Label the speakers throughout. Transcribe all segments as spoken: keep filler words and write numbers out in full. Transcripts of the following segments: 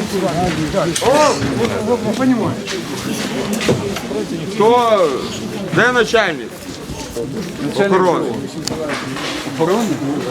Speaker 1: Хто? Де начальник? Охорони. Охорони?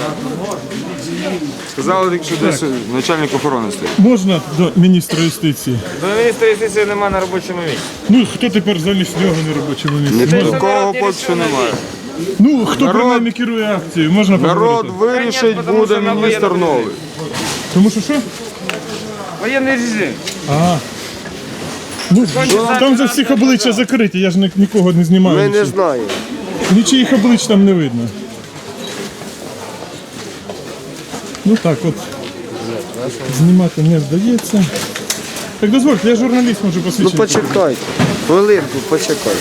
Speaker 1: Сказали, що десь начальник охорони стоїть.
Speaker 2: Можна до міністра юстиції?
Speaker 3: До міністра юстиції немає на робочому місці.
Speaker 2: Ну, хто тепер замість нього на робочому місці?
Speaker 1: Ні такого поки що немає.
Speaker 2: Ну, хто
Speaker 1: Народ-
Speaker 2: принаймні керує акцією, можна
Speaker 1: Народ
Speaker 2: поговорити?
Speaker 1: вирішить, буде міністр новий.
Speaker 2: Тому що що?
Speaker 3: Воєнний режим.
Speaker 2: А. Ну, там же всіх обличчя закриті, я ж ні- нікого не знімаю.
Speaker 1: Ми не
Speaker 2: нічого.
Speaker 1: знаємо.
Speaker 2: Нічиїх облич там не видно. Ну так от. Знімати не вдається. Так дозвольте, я журналіст, можу
Speaker 1: Ну
Speaker 2: посвідчити.
Speaker 1: почекайте. Хвилинку, почекайте.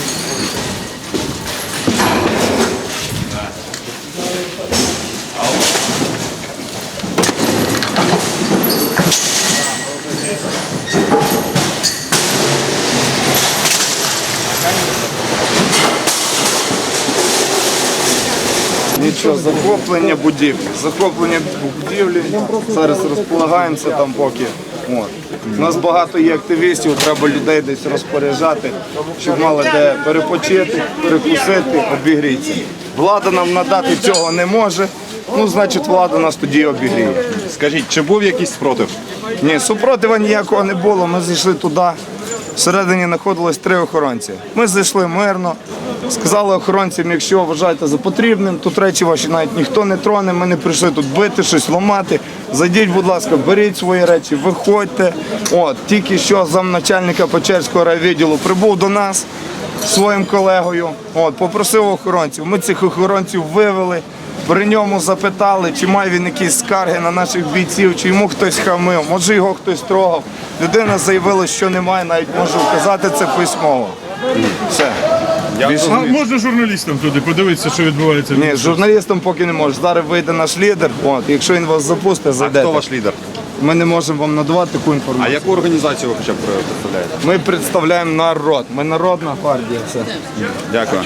Speaker 1: Нічого, захоплення будівлі. Захоплення будівлі. Зараз розполагаємося там поки. От. У нас багато є активістів, треба людей десь розпоряджати, щоб мали де перепочити, перекусити, обігрітися. Влада нам надати цього не може, ну значить влада нас тоді обігріє.
Speaker 4: Скажіть, чи був якийсь спротив?
Speaker 1: Ні, супротива ніякого не було, ми зайшли туди. Всередині знаходилось три охоронці. Ми зайшли мирно, сказали охоронцям, якщо вважаєте за потрібним, тут речі ваші навіть ніхто не троне, ми не прийшли тут бити, щось ламати. Зайдіть, будь ласка, беріть свої речі, виходьте. От, тільки що замначальника Печерського райвідділу прибув до нас зі своїм колегою, от, попросив охоронців. Ми цих охоронців вивели. При ньому запитали, чи має він якісь скарги на наших бійців, чи йому хтось хамив, може його хтось трогав. Людина заявила, що немає, навіть можу вказати це письмово. Все. Більше
Speaker 2: А
Speaker 1: ні.
Speaker 2: можна журналістам туди подивитися, що відбувається?
Speaker 1: Ні, з журналістом поки не може. Зараз вийде наш лідер, от, якщо він вас запустить,
Speaker 4: А
Speaker 1: зайдете.
Speaker 4: хто ваш лідер?
Speaker 1: Ми не можемо вам надавати таку
Speaker 4: А
Speaker 1: інформацію.
Speaker 4: яку організацію ви хоча б представляєте?
Speaker 1: Ми представляємо народ. Ми народна партія. Все.
Speaker 4: Дякую.